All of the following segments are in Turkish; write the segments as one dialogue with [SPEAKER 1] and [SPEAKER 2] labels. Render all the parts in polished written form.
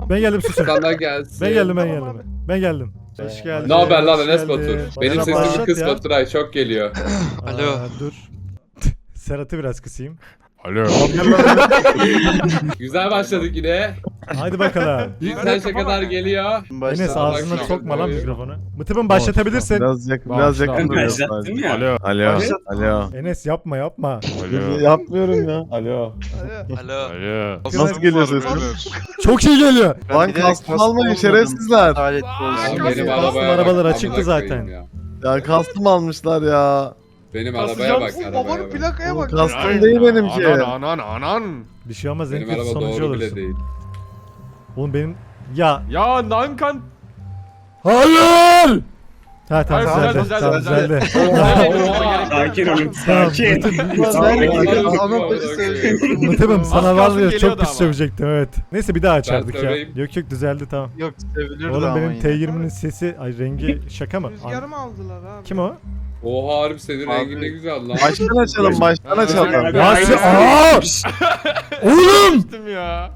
[SPEAKER 1] Ben geldim susun.
[SPEAKER 2] Sana gelsin.
[SPEAKER 1] Ben geldim.
[SPEAKER 3] Tamam
[SPEAKER 1] Ben geldim. Hoş geldin.
[SPEAKER 2] Ne haber lan
[SPEAKER 1] hoş
[SPEAKER 2] Enes
[SPEAKER 1] geldin.
[SPEAKER 2] Batur? Benim
[SPEAKER 1] Bana
[SPEAKER 2] sesimi
[SPEAKER 1] başlat
[SPEAKER 2] kıs
[SPEAKER 1] ya.
[SPEAKER 2] Baturay çok geliyor.
[SPEAKER 4] Alo.
[SPEAKER 1] Dur. Serhat'ı biraz kısayım.
[SPEAKER 5] Alo.
[SPEAKER 2] Güzel başladık yine.
[SPEAKER 1] Haydi bakalım.
[SPEAKER 2] Cinselşe kadar geliyor.
[SPEAKER 1] Enes ağzına
[SPEAKER 2] Başla.
[SPEAKER 1] sokma lan mikrofonu. Mıtıbım başlatabilirsin.
[SPEAKER 6] Biraz yakın,
[SPEAKER 5] Tamam,
[SPEAKER 6] biraz
[SPEAKER 5] tamam.
[SPEAKER 6] yakın duruyor
[SPEAKER 4] Başlattım
[SPEAKER 6] sadece.
[SPEAKER 4] ya.
[SPEAKER 5] Alo.
[SPEAKER 6] Alo, alo.
[SPEAKER 1] Enes yapma.
[SPEAKER 5] Alo.
[SPEAKER 6] Yapmıyorum ya. Alo.
[SPEAKER 4] Alo.
[SPEAKER 5] Alo.
[SPEAKER 6] Nasıl geliyor sesin?
[SPEAKER 1] Çok iyi geliyor.
[SPEAKER 6] Lan kastım almayın şerefsizler.
[SPEAKER 4] Adalet
[SPEAKER 2] Ya
[SPEAKER 4] olsun.
[SPEAKER 2] benim
[SPEAKER 1] Kastım
[SPEAKER 2] arabaya
[SPEAKER 1] arabalar
[SPEAKER 2] bak,
[SPEAKER 1] açıktı
[SPEAKER 2] amına
[SPEAKER 1] zaten.
[SPEAKER 2] koyayım ya.
[SPEAKER 6] Ya kastım almışlar ya.
[SPEAKER 2] Benim arabaya bak, arabaya
[SPEAKER 3] Babanın
[SPEAKER 2] bak.
[SPEAKER 3] plakaya
[SPEAKER 6] Oğlum
[SPEAKER 3] bak.
[SPEAKER 6] kastım değil benimki.
[SPEAKER 5] Anan.
[SPEAKER 1] Bir şey olmaz. En
[SPEAKER 2] Benim
[SPEAKER 1] kötü
[SPEAKER 2] araba
[SPEAKER 1] sonucu
[SPEAKER 2] doğru bile
[SPEAKER 1] olursun.
[SPEAKER 2] değil.
[SPEAKER 1] Oğlum benim... Ya.
[SPEAKER 5] Ya Nankan.
[SPEAKER 1] Hayır! Ha tamam
[SPEAKER 5] Hayır,
[SPEAKER 1] düzeldi.
[SPEAKER 5] güzel,
[SPEAKER 1] Tamam
[SPEAKER 5] güzel.
[SPEAKER 1] düzeldi.
[SPEAKER 4] Sakin olun.
[SPEAKER 1] Tamam.
[SPEAKER 2] Sakin.
[SPEAKER 1] Mıtıbım sana var ya
[SPEAKER 5] geliyordu
[SPEAKER 1] çok pis
[SPEAKER 5] ama.
[SPEAKER 1] sövecektim evet. Neyse bir daha açardık ya.
[SPEAKER 2] söyleyeyim.
[SPEAKER 1] Yok düzeldi tamam.
[SPEAKER 4] Yok sevilirdi
[SPEAKER 1] Oğlum
[SPEAKER 4] ama
[SPEAKER 1] benim
[SPEAKER 4] yine.
[SPEAKER 1] T20'nin sesi ay rengi şaka mı?
[SPEAKER 3] Rüzgarı mı aldılar abi?
[SPEAKER 1] Kim o?
[SPEAKER 2] Oha harbi senin rengin ne güzel lan.
[SPEAKER 6] Baştan açalım, baştan açalım.
[SPEAKER 1] Nasıl? Aa! Oğlum!
[SPEAKER 5] Düştüm ya.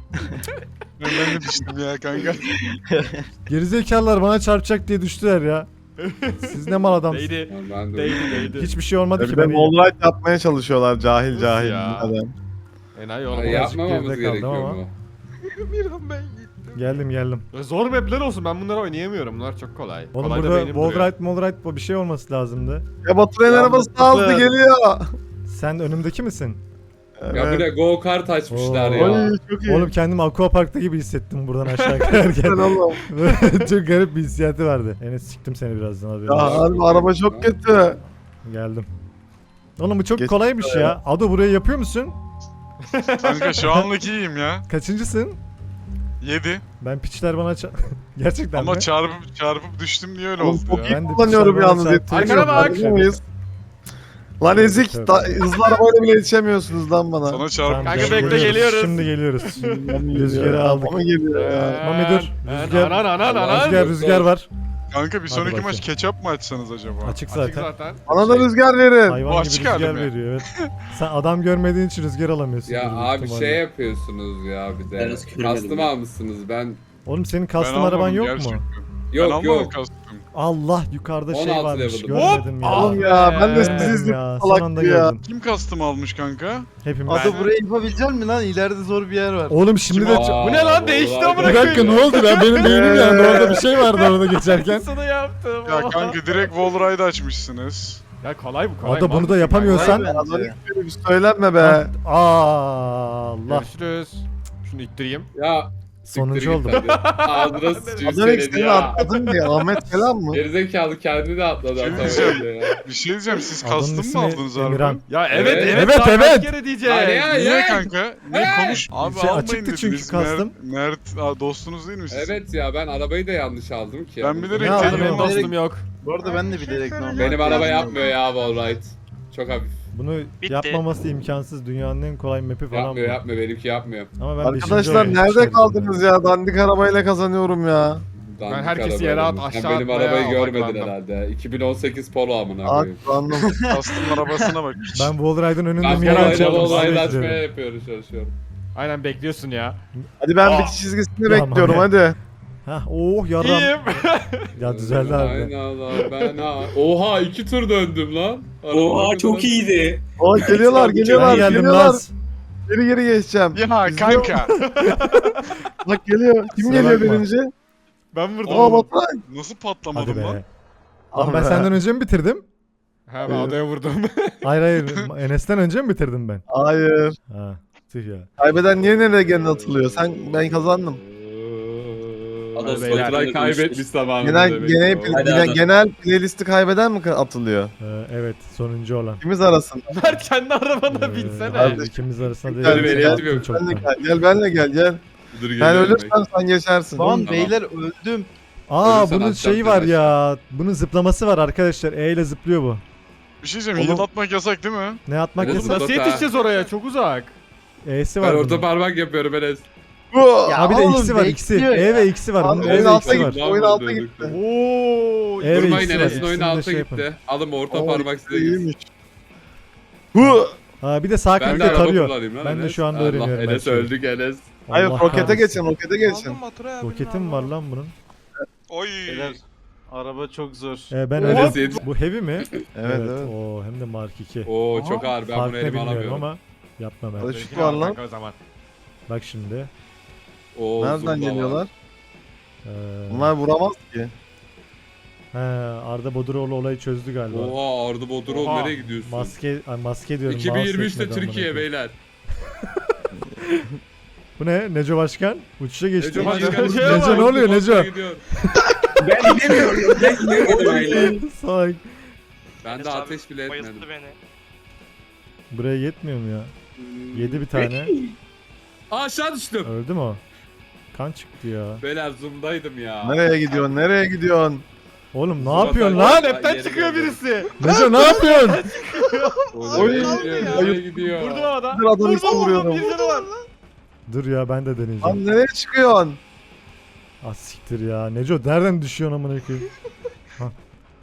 [SPEAKER 7] Ben de düştüm ya kanka.
[SPEAKER 1] Gerizekalılar bana çarpacak diye düştüler ya. Siz ne mal adamsınız.
[SPEAKER 5] Değdi.
[SPEAKER 2] Ben de
[SPEAKER 5] Değdi.
[SPEAKER 1] Hiçbir şey olmadı ki
[SPEAKER 6] Bir de
[SPEAKER 1] ben iyiyim.
[SPEAKER 6] wallride yapmaya çalışıyorlar cahil
[SPEAKER 5] Nasıl
[SPEAKER 6] cahil.
[SPEAKER 5] ya?
[SPEAKER 6] Adam.
[SPEAKER 5] Enayi
[SPEAKER 2] Ya
[SPEAKER 5] oğlum.
[SPEAKER 2] yapmamamız
[SPEAKER 1] geride kaldım
[SPEAKER 2] gerekiyor
[SPEAKER 1] ama.
[SPEAKER 2] mu?
[SPEAKER 3] Bir an ben gittim.
[SPEAKER 1] Geldim.
[SPEAKER 5] Zor mapler olsun, ben bunları oynayamıyorum. Bunlar çok kolay.
[SPEAKER 1] Oğlum
[SPEAKER 5] Kolay da
[SPEAKER 1] burada
[SPEAKER 5] beynim duruyor.
[SPEAKER 1] wallride bu bir şey olması lazımdı.
[SPEAKER 6] Ya Baturay'ın arabası daha hızlı geliyor.
[SPEAKER 1] Sen önümdeki misin?
[SPEAKER 2] Ya bir de go kart açmışlar
[SPEAKER 1] Oo.
[SPEAKER 2] ya.
[SPEAKER 6] Oy çok iyi.
[SPEAKER 1] Oğlum kendimi aquaparkta gibi hissettim buradan aşağı kayarken.
[SPEAKER 6] Sen oğlum.
[SPEAKER 1] Çok garip bir hissiyatı vardı. Enes siktim seni birazdan haberin
[SPEAKER 6] Ya
[SPEAKER 1] olsun.
[SPEAKER 6] harbi araba çok kötü.
[SPEAKER 1] Geldim. Oğlum bu çok
[SPEAKER 6] Geç-
[SPEAKER 1] kolaymış ya. Ado burayı yapıyor musun?
[SPEAKER 7] Kanka şu anlık iyiyim ya.
[SPEAKER 1] Kaçıncısın?
[SPEAKER 7] 7.
[SPEAKER 1] Ben piçler bana gerçekten
[SPEAKER 7] Ama
[SPEAKER 1] mi?
[SPEAKER 7] çarpıp düştüm diye öyle
[SPEAKER 6] Oğlum
[SPEAKER 7] oldu
[SPEAKER 6] çok
[SPEAKER 7] ya.
[SPEAKER 6] iyi
[SPEAKER 1] Ben de
[SPEAKER 6] kullanıyorum
[SPEAKER 1] piçler bana
[SPEAKER 6] yalnız.
[SPEAKER 1] çarptı.
[SPEAKER 5] Arkana bak.
[SPEAKER 6] Farkında mıyız? Lan ezik. Hızlı arabayla bile yetişemiyorsunuz lan bana.
[SPEAKER 7] Sana çarp.
[SPEAKER 1] Tamam,
[SPEAKER 5] Kanka
[SPEAKER 1] geliyoruz.
[SPEAKER 5] bekle, geliyoruz.
[SPEAKER 1] Şimdi geliyoruz.
[SPEAKER 6] Rüzgarı
[SPEAKER 1] Rüzgarı aldık.
[SPEAKER 6] Ama geliyor ya.
[SPEAKER 1] Mami dur. Rüzgar.
[SPEAKER 5] Anan.
[SPEAKER 1] Rüzgar var.
[SPEAKER 7] Kanka bir sonraki
[SPEAKER 1] bakayım.
[SPEAKER 7] maç ketçap mı açsanız acaba?
[SPEAKER 1] Açık
[SPEAKER 5] Açık
[SPEAKER 1] zaten.
[SPEAKER 5] zaten.
[SPEAKER 6] Bana da rüzgar verin.
[SPEAKER 1] Hayvan
[SPEAKER 7] Bu
[SPEAKER 1] gibi
[SPEAKER 7] açık
[SPEAKER 1] rüzgar
[SPEAKER 7] hali mi?
[SPEAKER 1] veriyor evet. Sen adam görmediğin için rüzgar alamıyorsun.
[SPEAKER 2] Ya
[SPEAKER 1] büyük
[SPEAKER 2] abi
[SPEAKER 1] ihtimalle.
[SPEAKER 2] şey yapıyorsunuz ya bir de.
[SPEAKER 4] Henüz görmedim
[SPEAKER 2] Kastım
[SPEAKER 4] ya.
[SPEAKER 2] almışsınız ben.
[SPEAKER 1] Oğlum senin
[SPEAKER 7] Ben
[SPEAKER 1] custom araban
[SPEAKER 7] almadım
[SPEAKER 1] yok
[SPEAKER 7] gerçekten.
[SPEAKER 1] mu?
[SPEAKER 7] Ben
[SPEAKER 2] Yok
[SPEAKER 7] almadım
[SPEAKER 2] yok.
[SPEAKER 7] kastım.
[SPEAKER 1] Allah yukarıda şey
[SPEAKER 2] 16
[SPEAKER 1] varmış
[SPEAKER 2] level'ım.
[SPEAKER 1] görmedim ya.
[SPEAKER 6] Oğlum ya ben de
[SPEAKER 1] Görmedim
[SPEAKER 6] sizi izledim
[SPEAKER 1] ya. Son anda
[SPEAKER 6] salak ya.
[SPEAKER 1] gördüm.
[SPEAKER 7] Kim kastım almış kanka?
[SPEAKER 1] Hepimiz.
[SPEAKER 4] Ado burayı yapabilecek misin lan? İleride zor bir yer var.
[SPEAKER 1] Oğlum şimdi de...
[SPEAKER 2] Aa,
[SPEAKER 5] Bu ne lan? Değişti
[SPEAKER 2] vallahi-
[SPEAKER 5] amına
[SPEAKER 1] Bir dakika ne oldu ben benim beynim yandı orada bir şey vardı orada geçerken.
[SPEAKER 5] Sana yaptım.
[SPEAKER 7] Ya kanka direkt wallride açmışsınız.
[SPEAKER 5] Ya kolay bu kolay.
[SPEAKER 1] Ado bunu da
[SPEAKER 5] Mantıklı.
[SPEAKER 1] yapamıyorsan...
[SPEAKER 4] Kolay bence.
[SPEAKER 6] Adamın böyle bir söylenme be.
[SPEAKER 1] Allah.
[SPEAKER 5] Görüşürüz. Şunu ittireyim.
[SPEAKER 2] Ya
[SPEAKER 1] Sonuncu
[SPEAKER 2] siktir
[SPEAKER 1] oldum.
[SPEAKER 2] git hadi. Ağzına sıçayım
[SPEAKER 6] Adam
[SPEAKER 2] seni
[SPEAKER 6] seni
[SPEAKER 2] ya.
[SPEAKER 6] atladın diye Ahmet falan mı?
[SPEAKER 2] Gerizekalı kendini de atladı
[SPEAKER 7] Şey
[SPEAKER 2] hatta
[SPEAKER 7] diyeceğim.
[SPEAKER 2] öyle ya.
[SPEAKER 7] Bir şey diyeceğim siz
[SPEAKER 1] Adamın
[SPEAKER 7] kastım
[SPEAKER 1] ismi
[SPEAKER 7] mı aldınız abi?
[SPEAKER 1] Emirhan.
[SPEAKER 5] Ya
[SPEAKER 2] Evet,
[SPEAKER 5] evet
[SPEAKER 1] evet,
[SPEAKER 5] daha
[SPEAKER 1] evet.
[SPEAKER 5] kaç kere diyeceğim.
[SPEAKER 2] Hadi
[SPEAKER 7] Niye
[SPEAKER 2] ya.
[SPEAKER 7] kanka? Niye konuş? Abi
[SPEAKER 1] Şey
[SPEAKER 7] almayın
[SPEAKER 1] açıktı çünkü
[SPEAKER 7] dediniz.
[SPEAKER 1] kastım.
[SPEAKER 7] Mert dostunuz değil mi siz?
[SPEAKER 2] Evet ya ben arabayı da yanlış aldım ki.
[SPEAKER 7] Ben bilerek
[SPEAKER 1] Ne
[SPEAKER 5] Benim
[SPEAKER 1] aldın
[SPEAKER 7] dedim
[SPEAKER 1] oğlum?
[SPEAKER 5] dostum yok.
[SPEAKER 4] Bu arada ben de bilerek normal.
[SPEAKER 2] Benim araba yapmıyor ya wallride. Çok hafif.
[SPEAKER 1] Bunu yapmaması imkansız. Dünyanın en kolay map'i falan bu.
[SPEAKER 2] Yapmıyor benimki yapmıyor.
[SPEAKER 1] Ama ben
[SPEAKER 6] Arkadaşlar
[SPEAKER 1] beşinci oyunu
[SPEAKER 6] nerede
[SPEAKER 1] çıkardım
[SPEAKER 6] kaldınız ya? Dandik arabayla kazanıyorum ya.
[SPEAKER 2] Dandik
[SPEAKER 5] herkesi
[SPEAKER 2] arabayla.
[SPEAKER 5] yere at,
[SPEAKER 2] Sen
[SPEAKER 5] aşağı
[SPEAKER 2] benim
[SPEAKER 5] atmaya
[SPEAKER 2] arabayı görmedin
[SPEAKER 5] odaklandım.
[SPEAKER 2] herhalde. 2018 Polo amına koyayım.
[SPEAKER 6] Atlandım.
[SPEAKER 7] Kastım arabasına bak.
[SPEAKER 1] Ben Wallride'ın önünde
[SPEAKER 2] Ben
[SPEAKER 1] Miraç
[SPEAKER 2] arabayla
[SPEAKER 1] aldım.
[SPEAKER 2] wallride
[SPEAKER 1] size
[SPEAKER 2] açmaya
[SPEAKER 1] getiriyorum.
[SPEAKER 2] yapıyoruz çalışıyorum.
[SPEAKER 5] Aynen bekliyorsun ya.
[SPEAKER 6] Hadi ben bitiş çizgisini
[SPEAKER 1] Tamam,
[SPEAKER 6] bekliyorum
[SPEAKER 1] hadi.
[SPEAKER 6] hadi.
[SPEAKER 1] Hah oh yaram.
[SPEAKER 5] İyiyim.
[SPEAKER 1] Ya düzeldi abi.
[SPEAKER 2] Aynen lan ben ha. Oha 2 tur döndüm lan.
[SPEAKER 4] Oha çok iyiydi.
[SPEAKER 6] Aa geliyorlar
[SPEAKER 1] Ben
[SPEAKER 6] geliyorlar
[SPEAKER 1] geldim
[SPEAKER 6] geliyorlar.
[SPEAKER 1] Laz.
[SPEAKER 6] Geri geçeceğim.
[SPEAKER 7] Ya kanka.
[SPEAKER 6] Bak geliyor. Kim
[SPEAKER 1] Kusura
[SPEAKER 6] geliyor
[SPEAKER 1] bakma.
[SPEAKER 6] birinci?
[SPEAKER 5] Ben vurdum.
[SPEAKER 6] Aa Baturay.
[SPEAKER 7] Nasıl
[SPEAKER 1] Hadi
[SPEAKER 7] patlamadım
[SPEAKER 1] be.
[SPEAKER 7] lan?
[SPEAKER 1] Lan ben senden önce mi bitirdim?
[SPEAKER 5] Ha ben adaya vurdum.
[SPEAKER 1] Hayır Enes'ten önce mi bitirdim ben?
[SPEAKER 6] Hayır.
[SPEAKER 1] Ha tüh ya.
[SPEAKER 6] Kaybeden niye nereye gene atılıyor? Ben kazandım.
[SPEAKER 4] Adam
[SPEAKER 5] Beyler,
[SPEAKER 2] Baturay kaybetmiş zamanında
[SPEAKER 6] Genel
[SPEAKER 2] demek
[SPEAKER 6] genel,
[SPEAKER 2] ki o.
[SPEAKER 4] Hadi
[SPEAKER 6] genel,
[SPEAKER 4] adam.
[SPEAKER 6] genel playlisti kaybeden mi atılıyor?
[SPEAKER 1] Evet sonuncu olan.
[SPEAKER 6] İkimiz arasında.
[SPEAKER 5] Mert kendi arabana binsene.
[SPEAKER 1] Hayır, ikimiz arasında değil.
[SPEAKER 6] Benim
[SPEAKER 1] Sen
[SPEAKER 2] ehliyetim
[SPEAKER 1] yaptın
[SPEAKER 2] yok.
[SPEAKER 1] çoktan.
[SPEAKER 6] Benle gel benle gel.
[SPEAKER 2] Dur
[SPEAKER 6] Ben
[SPEAKER 2] geliyorum
[SPEAKER 6] ölürsem sen geçersin.
[SPEAKER 4] Lan
[SPEAKER 2] Tamam.
[SPEAKER 4] beyler öldüm.
[SPEAKER 1] Aa
[SPEAKER 2] Ölürsen
[SPEAKER 1] bunun
[SPEAKER 2] atacağım
[SPEAKER 1] şeyi var
[SPEAKER 2] seni
[SPEAKER 1] ya. Bunun zıplaması var arkadaşlar. E ile zıplıyor bu.
[SPEAKER 7] Bir şey diyeceğim.
[SPEAKER 1] Oğlum.
[SPEAKER 7] Heal atmak yasak değil mi?
[SPEAKER 1] Ne atmak
[SPEAKER 2] Evet,
[SPEAKER 1] yasak?
[SPEAKER 5] Nasıl yetişeceğiz oraya? Çok uzak.
[SPEAKER 1] E'si
[SPEAKER 2] Ben
[SPEAKER 1] var
[SPEAKER 2] orta
[SPEAKER 1] bunun.
[SPEAKER 2] parmak yapıyorum Enes.
[SPEAKER 6] Bu.
[SPEAKER 1] Ha bir de
[SPEAKER 4] oğlum,
[SPEAKER 1] X'i var X'i.
[SPEAKER 4] bekliyor
[SPEAKER 1] E
[SPEAKER 4] ya.
[SPEAKER 1] ve X'i var. Bunun
[SPEAKER 6] Abi,
[SPEAKER 1] E
[SPEAKER 6] oyun
[SPEAKER 1] ve
[SPEAKER 6] alta
[SPEAKER 1] X'i var.
[SPEAKER 6] gitti. Oyun alta gitti.
[SPEAKER 5] Oo.
[SPEAKER 1] Evet,
[SPEAKER 2] Durmayın
[SPEAKER 1] ikisi var,
[SPEAKER 2] Enes'in oyunu
[SPEAKER 1] ikisini de
[SPEAKER 2] alta
[SPEAKER 1] şey yapın.
[SPEAKER 2] gitti. Alın orta
[SPEAKER 6] Oo,
[SPEAKER 2] parmak size gitsin.
[SPEAKER 6] iyiymiş. Bu.
[SPEAKER 1] Ha bir de sağ
[SPEAKER 2] Ben de
[SPEAKER 1] klikle
[SPEAKER 2] araba
[SPEAKER 1] tarıyor.
[SPEAKER 2] kullanayım lan
[SPEAKER 1] Ben de
[SPEAKER 2] Enes.
[SPEAKER 1] şu anda
[SPEAKER 2] Allah,
[SPEAKER 1] öğreniyorum her
[SPEAKER 2] Enes
[SPEAKER 1] şeyi.
[SPEAKER 2] öldük Enes.
[SPEAKER 6] Hayır
[SPEAKER 1] Allah
[SPEAKER 6] rokete
[SPEAKER 1] kahretsin.
[SPEAKER 6] geçin rokete geçin.
[SPEAKER 3] Aldım Baturay abinin
[SPEAKER 1] Roketi mi var
[SPEAKER 3] arabası.
[SPEAKER 1] lan bunun?
[SPEAKER 7] Oy.
[SPEAKER 4] Beyler araba çok zor.
[SPEAKER 1] Ben
[SPEAKER 2] Oha!
[SPEAKER 1] öyle. Bu heavy mi?
[SPEAKER 6] Evet evet.
[SPEAKER 1] Oo hem de Mark 2.
[SPEAKER 2] Oo çok ağır, ben
[SPEAKER 1] Fark
[SPEAKER 2] bunu
[SPEAKER 1] ne
[SPEAKER 2] elime
[SPEAKER 1] bilmiyorum
[SPEAKER 2] alamıyorum.
[SPEAKER 1] ama yapma ben.
[SPEAKER 6] Hadi
[SPEAKER 5] Benimkini
[SPEAKER 6] şu var
[SPEAKER 5] al
[SPEAKER 6] lan.
[SPEAKER 5] kanka o zaman.
[SPEAKER 1] Bak şimdi.
[SPEAKER 2] Oo,
[SPEAKER 6] Nereden
[SPEAKER 2] zumba var.
[SPEAKER 6] geliyorlar?
[SPEAKER 1] Ee,
[SPEAKER 6] Bunlar vuramaz ki.
[SPEAKER 1] he, Arda Boduroğlu olayı çözdü galiba.
[SPEAKER 2] Oha Arda Bodrum
[SPEAKER 5] Oha.
[SPEAKER 2] nereye gidiyorsun?
[SPEAKER 1] Maske diyorum. mouse
[SPEAKER 2] 2023'te
[SPEAKER 1] yetmedi amına
[SPEAKER 2] Türkiye
[SPEAKER 1] koyayım.
[SPEAKER 2] beyler.
[SPEAKER 1] Bu ne? Neco Başkan? Uçuşa geçti.
[SPEAKER 2] Neco
[SPEAKER 1] Neco,
[SPEAKER 2] Başkan,
[SPEAKER 1] Neco ne oluyor Neco?
[SPEAKER 2] Gidiyor.
[SPEAKER 4] Ben inemiyorum. Ben inemedim öyle.
[SPEAKER 1] Salak.
[SPEAKER 2] Ben de ateş bile etmedim.
[SPEAKER 1] Buraya yetmiyor mu ya? Yedi bir tane.
[SPEAKER 2] Aa, aşağı düştüm.
[SPEAKER 1] Öldü mü o? Kan çıktı ya.
[SPEAKER 2] Beyler zoom'daydım ya.
[SPEAKER 6] Nereye gidiyorsun nereye gidiyorsun?
[SPEAKER 1] Oğlum ne
[SPEAKER 2] Zaten-
[SPEAKER 1] yapıyorsun
[SPEAKER 2] Lan
[SPEAKER 1] lan?
[SPEAKER 5] Hepten
[SPEAKER 2] Geri
[SPEAKER 5] çıkıyor
[SPEAKER 2] döndüm.
[SPEAKER 5] birisi.
[SPEAKER 1] Neco ne yapıyorsun?
[SPEAKER 2] Oy,
[SPEAKER 3] kaldı ya.
[SPEAKER 2] nereye gidiyor?
[SPEAKER 5] Vurdum havada.
[SPEAKER 6] Bir adam ismi
[SPEAKER 5] Vurdum
[SPEAKER 6] vuruyorum.
[SPEAKER 5] bir canı var.
[SPEAKER 1] Dur ya ben de deneyeceğim.
[SPEAKER 6] Lan nereye çıkıyorsun?
[SPEAKER 1] Ah siktir ya. Neco nereden düşüyorsun amına koyayım? Hah.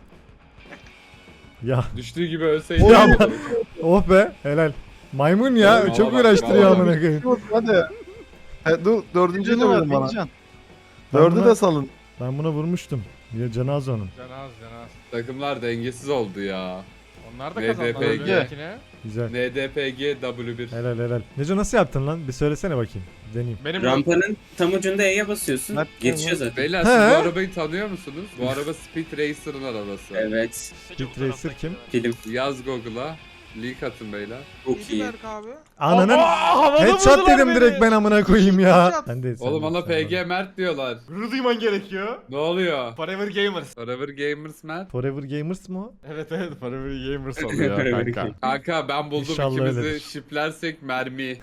[SPEAKER 1] Ya
[SPEAKER 2] Düştüğü gibi ölseydi.
[SPEAKER 1] Ya ama- oh be helal. Maymun ya
[SPEAKER 2] Oğlum,
[SPEAKER 1] çok
[SPEAKER 2] valla bak,
[SPEAKER 1] uğraştırıyor
[SPEAKER 2] valla.
[SPEAKER 1] amına koyayım.
[SPEAKER 6] Hadi. Dur dördüncüyü de
[SPEAKER 4] Canı var
[SPEAKER 6] vurun bana.
[SPEAKER 4] Bilcan.
[SPEAKER 6] Dördü
[SPEAKER 1] buna-
[SPEAKER 6] de salın.
[SPEAKER 1] Ben buna vurmuştum. Ya cenaze onun.
[SPEAKER 5] Canaz canaz.
[SPEAKER 2] Takımlar dengesiz oldu ya.
[SPEAKER 5] Onlar da
[SPEAKER 2] NDPG.
[SPEAKER 5] kazandılar öbürünkine.
[SPEAKER 1] Güzel.
[SPEAKER 2] NDPG W1.
[SPEAKER 1] Helal helal. Neco nasıl yaptın lan? Bir söylesene bakayım. Deneyeyim.
[SPEAKER 5] Benim
[SPEAKER 4] Rampanın tam ucunda E'ye basıyorsun.
[SPEAKER 6] Bak,
[SPEAKER 4] Geçiyor zaten.
[SPEAKER 2] Beyler
[SPEAKER 1] He?
[SPEAKER 2] siz bu arabayı tanıyor musunuz? Bu araba Speed Racer'ın arabası.
[SPEAKER 4] Evet.
[SPEAKER 1] Speed Racer kim?
[SPEAKER 4] Film
[SPEAKER 2] Yaz Google'a. Link atın beyler.
[SPEAKER 4] çok
[SPEAKER 3] İyi
[SPEAKER 4] iyi.
[SPEAKER 3] Berk abi.
[SPEAKER 1] Ananın
[SPEAKER 5] havada
[SPEAKER 1] headshot
[SPEAKER 5] vurdular
[SPEAKER 1] dedim
[SPEAKER 5] beni.
[SPEAKER 1] direkt ben amına koyayım ya.
[SPEAKER 3] Headshot.
[SPEAKER 1] Ben de
[SPEAKER 2] Oğlum ona PG Mert diyorlar.
[SPEAKER 5] Gurur duyman gerekiyor.
[SPEAKER 2] Ne oluyor?
[SPEAKER 5] Forever Gamers.
[SPEAKER 2] Forever Gamers Mert.
[SPEAKER 1] Forever Gamers mı o?
[SPEAKER 5] Evet evet Forever Gamers oluyor kanka.
[SPEAKER 2] Kanka ben buldum,
[SPEAKER 1] İnşallah
[SPEAKER 2] ikimizi
[SPEAKER 1] öyledir.
[SPEAKER 2] şiplersek mermi.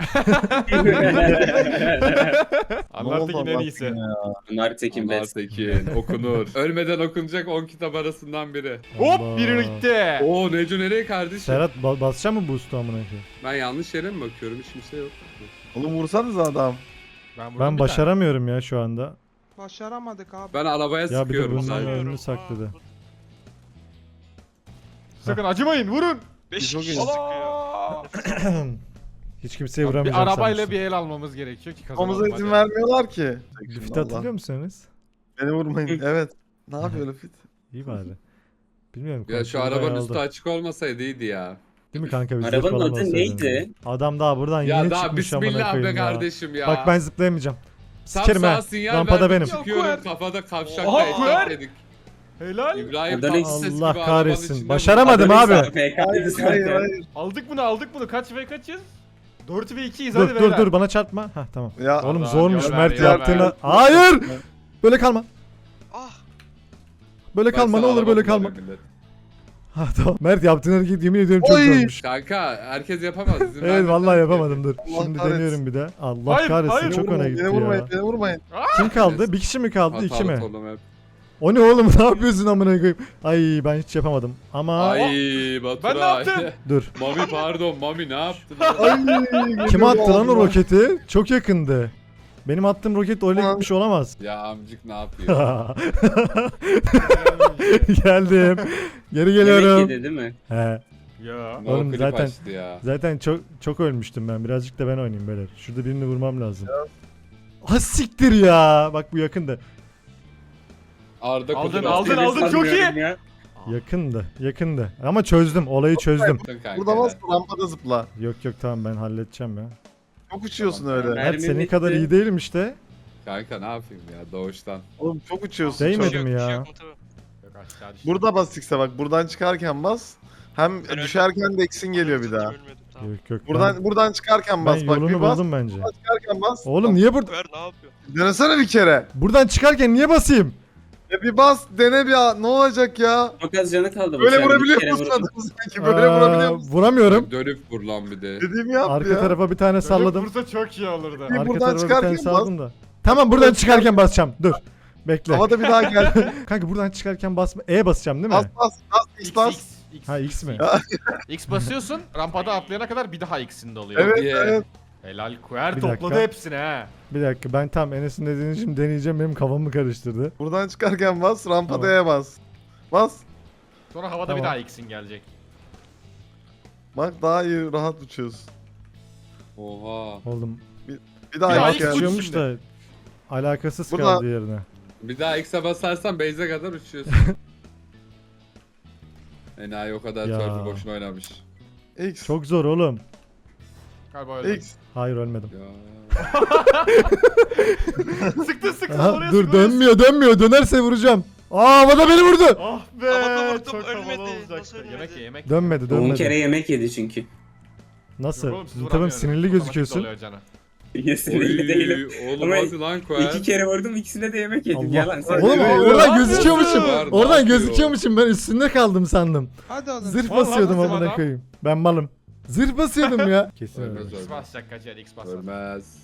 [SPEAKER 5] Anlartekin en iyisi.
[SPEAKER 4] Bunlar Tekin
[SPEAKER 2] Onlar
[SPEAKER 4] best.
[SPEAKER 2] Tekin okunur. Ölmeden okunacak 10 kitap arasından biri.
[SPEAKER 1] Allah.
[SPEAKER 5] Hop biri gitti.
[SPEAKER 2] Oo Neco nereye kardeşim?
[SPEAKER 1] Serhat basacak mı boost'u amına koyayım?
[SPEAKER 2] Ben yanlış yere mi bakıyorum? Hiç kimse yok.
[SPEAKER 6] Oğlum vursanız adam.
[SPEAKER 5] vurdum
[SPEAKER 1] Ben
[SPEAKER 5] bir
[SPEAKER 1] başaramıyorum ya şu anda.
[SPEAKER 3] Başaramadık abi.
[SPEAKER 2] Ben arabaya
[SPEAKER 1] Ya bir de
[SPEAKER 2] sıkıyorum
[SPEAKER 1] bunun
[SPEAKER 2] sadece.
[SPEAKER 1] önünü sakladı.
[SPEAKER 5] tane. Sakın acımayın vurun.
[SPEAKER 6] Çok iyi.
[SPEAKER 5] Allah!
[SPEAKER 1] Hiç kimseye vuramayacağım
[SPEAKER 5] Bir arabayla
[SPEAKER 1] sanmıştım.
[SPEAKER 5] bir el almamız gerekiyor ki
[SPEAKER 6] Kafamıza
[SPEAKER 5] kazanalım.
[SPEAKER 6] izin
[SPEAKER 5] hadi.
[SPEAKER 6] vermiyorlar ki.
[SPEAKER 1] Lüfit hatırlıyor musunuz?
[SPEAKER 6] Beni vurmayın. Evet. Ne yapıyor Lüfit?
[SPEAKER 1] İyi bari. Bilmiyorum.
[SPEAKER 2] Ya şu
[SPEAKER 1] kontrolü
[SPEAKER 2] arabanın
[SPEAKER 1] bayağı
[SPEAKER 2] üstü
[SPEAKER 1] aldı.
[SPEAKER 2] açık olmasaydı iyiydi ya.
[SPEAKER 1] Değil mi kanka? Biz
[SPEAKER 4] Arabanın
[SPEAKER 1] falan
[SPEAKER 4] adı
[SPEAKER 1] olsaydın
[SPEAKER 4] neydi?
[SPEAKER 1] ya. Adam daha buradan
[SPEAKER 2] Ya
[SPEAKER 1] yeni
[SPEAKER 2] daha
[SPEAKER 1] çıkmış amına
[SPEAKER 2] bismillah be
[SPEAKER 1] koyayım ya.
[SPEAKER 2] kardeşim ya.
[SPEAKER 1] Bak ben zıplayamayacağım.
[SPEAKER 2] Tam
[SPEAKER 1] Sikerim
[SPEAKER 2] sağa
[SPEAKER 1] ha.
[SPEAKER 2] sinyal
[SPEAKER 1] Rampada
[SPEAKER 2] verdik,
[SPEAKER 1] benim.
[SPEAKER 2] çıkıyorum
[SPEAKER 5] Yok,
[SPEAKER 2] kafada kavşakta
[SPEAKER 5] Oha,
[SPEAKER 2] eşek
[SPEAKER 5] kuer.
[SPEAKER 2] dedik.
[SPEAKER 5] Helal.
[SPEAKER 2] İbrahim
[SPEAKER 4] Adalet-
[SPEAKER 2] Tatlıses gibi
[SPEAKER 1] Allah
[SPEAKER 2] arabanın
[SPEAKER 1] kahretsin.
[SPEAKER 2] içinde
[SPEAKER 1] Başaramadım
[SPEAKER 4] Adamın
[SPEAKER 1] abi.
[SPEAKER 4] PK'ydı
[SPEAKER 6] Hayır
[SPEAKER 4] zaten.
[SPEAKER 6] hayır.
[SPEAKER 5] Aldık bunu. Kaç ve kaçız? 4 ve 2'yiz
[SPEAKER 1] Dur
[SPEAKER 5] hadi
[SPEAKER 1] dur
[SPEAKER 5] beyler.
[SPEAKER 1] dur bana çarpma. Hah tamam.
[SPEAKER 6] Ya
[SPEAKER 1] Oğlum
[SPEAKER 5] Allah,
[SPEAKER 1] zormuş
[SPEAKER 5] yol ver,
[SPEAKER 1] Mert
[SPEAKER 5] yol
[SPEAKER 1] yaptığına.
[SPEAKER 5] ver.
[SPEAKER 1] Hayır. Böyle kalma.
[SPEAKER 3] Ah.
[SPEAKER 1] Böyle
[SPEAKER 2] Ben
[SPEAKER 1] kalma ne
[SPEAKER 2] sana
[SPEAKER 1] olur böyle
[SPEAKER 2] araba
[SPEAKER 1] kalma.
[SPEAKER 2] kullanıyorum millet.
[SPEAKER 1] Ha tamam. Mert yaptığın hareket yemin ediyorum çok
[SPEAKER 6] Oy.
[SPEAKER 1] zormuş.
[SPEAKER 2] Kanka herkes yapamaz. izin
[SPEAKER 1] Evet
[SPEAKER 2] vermesen
[SPEAKER 1] vallahi
[SPEAKER 2] de.
[SPEAKER 1] yapamadım dur.
[SPEAKER 6] Allah
[SPEAKER 1] Şimdi
[SPEAKER 6] kahretsin.
[SPEAKER 1] deniyorum bir de. Allah
[SPEAKER 5] Hayır,
[SPEAKER 1] kahretsin
[SPEAKER 5] hayır.
[SPEAKER 1] çok öne gitti
[SPEAKER 6] Beni vurmayın
[SPEAKER 1] ya.
[SPEAKER 6] beni vurmayın.
[SPEAKER 1] Kim kaldı? Bir kişi mi kaldı? İki
[SPEAKER 2] Hatalı
[SPEAKER 1] mi?
[SPEAKER 2] solum hep.
[SPEAKER 1] O ne oğlum ne yapıyorsun amına koyayım? Ay ben hiç yapamadım. Ama
[SPEAKER 2] Ay Baturay.
[SPEAKER 5] Ben ne yaptım?
[SPEAKER 1] dur.
[SPEAKER 2] Mami pardon Mami ne yaptın?
[SPEAKER 6] Ay,
[SPEAKER 1] Kim attı lan o
[SPEAKER 6] geliyor
[SPEAKER 1] roketi? Çok yakındı. Benim attığım roket öyle
[SPEAKER 6] Ulan.
[SPEAKER 1] gitmiş olamaz.
[SPEAKER 2] Ya amcık ne yapıyor?
[SPEAKER 1] Geldim. Geri
[SPEAKER 4] Yemek
[SPEAKER 1] geliyorum.
[SPEAKER 4] yedi değil mi?
[SPEAKER 1] He.
[SPEAKER 5] Ya.
[SPEAKER 2] No
[SPEAKER 1] Oğlum
[SPEAKER 2] clip
[SPEAKER 1] zaten-
[SPEAKER 2] açtı ya.
[SPEAKER 1] Zaten çok ölmüştüm ben. Birazcık da ben oynayayım böyle. Şurada birini vurmam lazım. Ha siktir ya. Bak bu yakındı.
[SPEAKER 2] Arda
[SPEAKER 5] Aldın,
[SPEAKER 2] Kudur
[SPEAKER 5] aldın,
[SPEAKER 2] attı.
[SPEAKER 5] aldın. Çok iyi.
[SPEAKER 4] Sanmıyorum ya.
[SPEAKER 1] Yakındı. Ama çözdüm. Olayı çözdüm.
[SPEAKER 2] Kanka.
[SPEAKER 6] Burada bas rampada zıpla.
[SPEAKER 1] Yok tamam ben halledeceğim ya.
[SPEAKER 6] Çok uçuyorsun
[SPEAKER 2] Tamam,
[SPEAKER 6] öyle.
[SPEAKER 4] ben-
[SPEAKER 1] Mert senin
[SPEAKER 4] Mermim
[SPEAKER 1] kadar
[SPEAKER 4] bitti.
[SPEAKER 1] iyi değilim işte.
[SPEAKER 2] Kanka ne yapayım ya doğuştan.
[SPEAKER 6] Oğlum çok uçuyorsun.
[SPEAKER 1] Değmedi
[SPEAKER 6] çok.
[SPEAKER 1] mi ya?
[SPEAKER 5] Yok aşağı düştü.
[SPEAKER 6] Burada bas X'e bak. Buradan çıkarken bas. Hem düşerken de X'in geliyor bir daha.
[SPEAKER 1] Yok.
[SPEAKER 6] Buradan çıkarken
[SPEAKER 1] ben
[SPEAKER 6] bas bak.
[SPEAKER 1] yolunu
[SPEAKER 6] Bir bas.
[SPEAKER 1] buldum bence.
[SPEAKER 6] Çıkarken bas.
[SPEAKER 1] Oğlum niye burada?
[SPEAKER 6] Denesene bir kere.
[SPEAKER 1] Buradan çıkarken niye basayım?
[SPEAKER 6] Bir bas dene bir ne olacak ya?
[SPEAKER 4] Çok az canı kaldı. bu
[SPEAKER 6] Böyle
[SPEAKER 4] sefer. Bir
[SPEAKER 6] vurabiliyor
[SPEAKER 4] kere
[SPEAKER 6] musun
[SPEAKER 4] vurdum.
[SPEAKER 6] adamı sanki? Böyle vurabiliyor musun?
[SPEAKER 1] Vuramıyorum.
[SPEAKER 2] Dönüp vur lan bir de.
[SPEAKER 6] Dediğimi yap
[SPEAKER 1] Arka
[SPEAKER 6] ya.
[SPEAKER 1] tarafa bir tane salladım.
[SPEAKER 5] Vursa çok iyi olurdu.
[SPEAKER 6] Bir
[SPEAKER 1] Arka
[SPEAKER 6] buradan
[SPEAKER 1] tarafa bir tane
[SPEAKER 6] çıkarken
[SPEAKER 1] salladım da. Tamam buradan çıkarken basacağım. Dur. Bekle.
[SPEAKER 6] Havada bir daha gel.
[SPEAKER 1] Kanka buradan çıkarken basma. E basacağım değil mi?
[SPEAKER 6] Bas X bas.
[SPEAKER 5] X.
[SPEAKER 1] Ha X mi?
[SPEAKER 5] X basıyorsun. Rampada atlayana kadar bir daha X'inde oluyor.
[SPEAKER 6] Evet
[SPEAKER 2] Yeah.
[SPEAKER 6] evet.
[SPEAKER 5] Helal Kuer
[SPEAKER 1] Bir
[SPEAKER 5] topladı
[SPEAKER 1] dakika.
[SPEAKER 5] hepsini ha.
[SPEAKER 1] Bir dakika ben tam Enes'in dediğini şimdi deneyeceğim. Benim kafamı karıştırdı.
[SPEAKER 6] Buradan çıkarken bas rampada
[SPEAKER 1] Tamam.
[SPEAKER 6] E bas. Bas.
[SPEAKER 5] Sonra havada
[SPEAKER 1] Tamam.
[SPEAKER 5] bir daha X'in gelecek.
[SPEAKER 6] Bak daha iyi rahat uçuyorsun.
[SPEAKER 2] Oha.
[SPEAKER 1] Oğlum.
[SPEAKER 6] Bir daha
[SPEAKER 5] Ya
[SPEAKER 6] X
[SPEAKER 5] ilk
[SPEAKER 6] geldi.
[SPEAKER 1] Uçuyormuş da alakasız
[SPEAKER 6] Burada-
[SPEAKER 1] kaldı yerine.
[SPEAKER 2] Bir daha X'e basarsan base'e kadar uçuyorsun. Enayi o kadar
[SPEAKER 1] Ya.
[SPEAKER 2] turbo boşuna oynamış.
[SPEAKER 6] X.
[SPEAKER 1] Çok zor oğlum.
[SPEAKER 5] Galiba öyle.
[SPEAKER 6] X.
[SPEAKER 1] Hayır ölmedim.
[SPEAKER 2] Ya.
[SPEAKER 5] Sıktın sıktın
[SPEAKER 1] Aha,
[SPEAKER 5] oraya
[SPEAKER 1] dur
[SPEAKER 5] sık, oraya
[SPEAKER 1] dönmüyor dönerse vuracağım. Aa havada beni vurdu.
[SPEAKER 5] sık. Ah be
[SPEAKER 8] Havada vurdum,
[SPEAKER 5] çok havalı
[SPEAKER 8] ölmedi.
[SPEAKER 5] olacaktı.
[SPEAKER 8] Nasıl ölmedi?
[SPEAKER 5] Yemek ye yemek.
[SPEAKER 1] Dönmedi
[SPEAKER 4] 10
[SPEAKER 1] dönmedi.
[SPEAKER 4] kere yemek yedi çünkü.
[SPEAKER 1] Nasıl?
[SPEAKER 5] Yok oğlum, siz
[SPEAKER 1] Tamam
[SPEAKER 5] vuramıyorsunuz.
[SPEAKER 1] sinirli
[SPEAKER 5] Otomatik
[SPEAKER 1] gözüküyorsun.
[SPEAKER 5] oluyor canı.
[SPEAKER 4] Sinirli değilim.
[SPEAKER 2] Oğlum
[SPEAKER 4] Ama
[SPEAKER 2] hadi lan Koel.
[SPEAKER 4] 2 kere vurdum, ikisine de yemek yedim.
[SPEAKER 1] Allah.
[SPEAKER 4] Yalan sen.
[SPEAKER 1] Oğlum
[SPEAKER 6] Evet,
[SPEAKER 1] oradan
[SPEAKER 5] evet.
[SPEAKER 1] gözüküyormuşum.
[SPEAKER 2] Var, ne
[SPEAKER 1] Oradan
[SPEAKER 2] yapıyor?
[SPEAKER 1] gözüküyormuşum ben üstünde kaldım sandım.
[SPEAKER 3] Hadi oğlum.
[SPEAKER 1] Zırh
[SPEAKER 5] Vallahi
[SPEAKER 1] basıyordum
[SPEAKER 5] nasıl
[SPEAKER 1] amına
[SPEAKER 5] adam?
[SPEAKER 1] koyayım. Ben malım. Zırh basıyordum ya. Kesin
[SPEAKER 2] Ölmez
[SPEAKER 1] ölmez.
[SPEAKER 5] X basacak kaçar X bas.
[SPEAKER 2] Ölmez.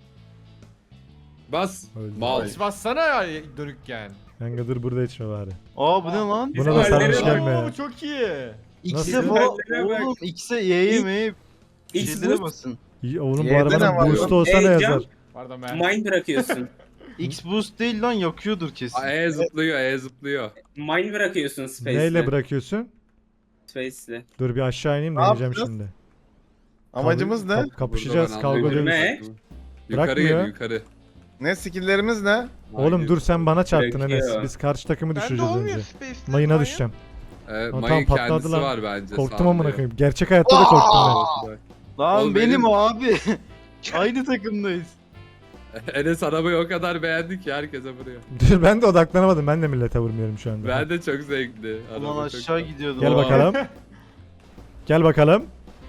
[SPEAKER 2] Bas.
[SPEAKER 1] Öldü.
[SPEAKER 2] Mal.
[SPEAKER 5] X bassana ya dönükken.
[SPEAKER 1] Kanka dur burada içme bari.
[SPEAKER 9] Aa bu ne lan?
[SPEAKER 1] Buna da sarmış
[SPEAKER 4] Bizim
[SPEAKER 1] gelme
[SPEAKER 5] Oo
[SPEAKER 1] ya.
[SPEAKER 5] bu çok iyi.
[SPEAKER 9] X'e
[SPEAKER 1] Nasıl?
[SPEAKER 9] falan
[SPEAKER 4] Hallere bak.
[SPEAKER 9] oğlum X'e Y'ye mi?
[SPEAKER 4] X
[SPEAKER 9] Şeylere
[SPEAKER 4] boost.
[SPEAKER 9] basın.
[SPEAKER 1] İyi, oğlum bu
[SPEAKER 6] Yerde ne
[SPEAKER 1] arabanın
[SPEAKER 6] var
[SPEAKER 1] boost
[SPEAKER 6] ya?
[SPEAKER 1] olsa ne
[SPEAKER 4] Heyecan.
[SPEAKER 1] yazar?
[SPEAKER 5] Pardon ben.
[SPEAKER 4] Mine bırakıyorsun.
[SPEAKER 9] X boost değil lan yakıyordur kesin.
[SPEAKER 2] E zıplıyor, E zıplıyor.
[SPEAKER 4] Mine bırakıyorsun Space'le.
[SPEAKER 1] Neyle bırakıyorsun?
[SPEAKER 4] Space'le.
[SPEAKER 1] Dur bir aşağı ineyim
[SPEAKER 6] Ne
[SPEAKER 1] deneyeceğim
[SPEAKER 6] yapacağız?
[SPEAKER 1] şimdi.
[SPEAKER 6] Amacımız ne?
[SPEAKER 1] Kapışacağız
[SPEAKER 2] Burada ben
[SPEAKER 1] kavga
[SPEAKER 2] anlamıyorum.
[SPEAKER 1] ediyoruz.
[SPEAKER 2] Yukarı
[SPEAKER 1] Bırakmıyor.
[SPEAKER 2] gel yukarı.
[SPEAKER 6] Ne skill'lerimiz ne?
[SPEAKER 1] Oğlum
[SPEAKER 2] Hayır.
[SPEAKER 1] dur sen bana çarptın
[SPEAKER 4] Bırakıyor.
[SPEAKER 1] Enes. Biz karşı takımı
[SPEAKER 3] Bende
[SPEAKER 1] düşüreceğiz
[SPEAKER 3] olmuyor
[SPEAKER 1] önce.
[SPEAKER 3] Space'te.
[SPEAKER 1] Mayına
[SPEAKER 3] Maya.
[SPEAKER 1] düşeceğim.
[SPEAKER 2] Mayın
[SPEAKER 1] tamam, patladı
[SPEAKER 2] kendisi
[SPEAKER 1] lan.
[SPEAKER 2] var bence.
[SPEAKER 1] Korktum amına
[SPEAKER 2] sağlıyor.
[SPEAKER 1] koyayım. Gerçek hayatta da korktum
[SPEAKER 9] Lan
[SPEAKER 2] Oğlum
[SPEAKER 9] benim
[SPEAKER 2] benim-
[SPEAKER 9] abi. Aynı takımdayız.
[SPEAKER 2] Enes arabayı o kadar beğendi ki herkese vuruyor.
[SPEAKER 1] ben. Dur ben de odaklanamadım. Ben de millete vurmuyorum şu anda.
[SPEAKER 2] Ben de çok zevkli. Araba
[SPEAKER 9] Ulan
[SPEAKER 2] çok
[SPEAKER 9] aşağı
[SPEAKER 2] güzel.
[SPEAKER 9] gidiyordum.
[SPEAKER 1] Gel
[SPEAKER 2] Aa.
[SPEAKER 1] bakalım. Gel bakalım.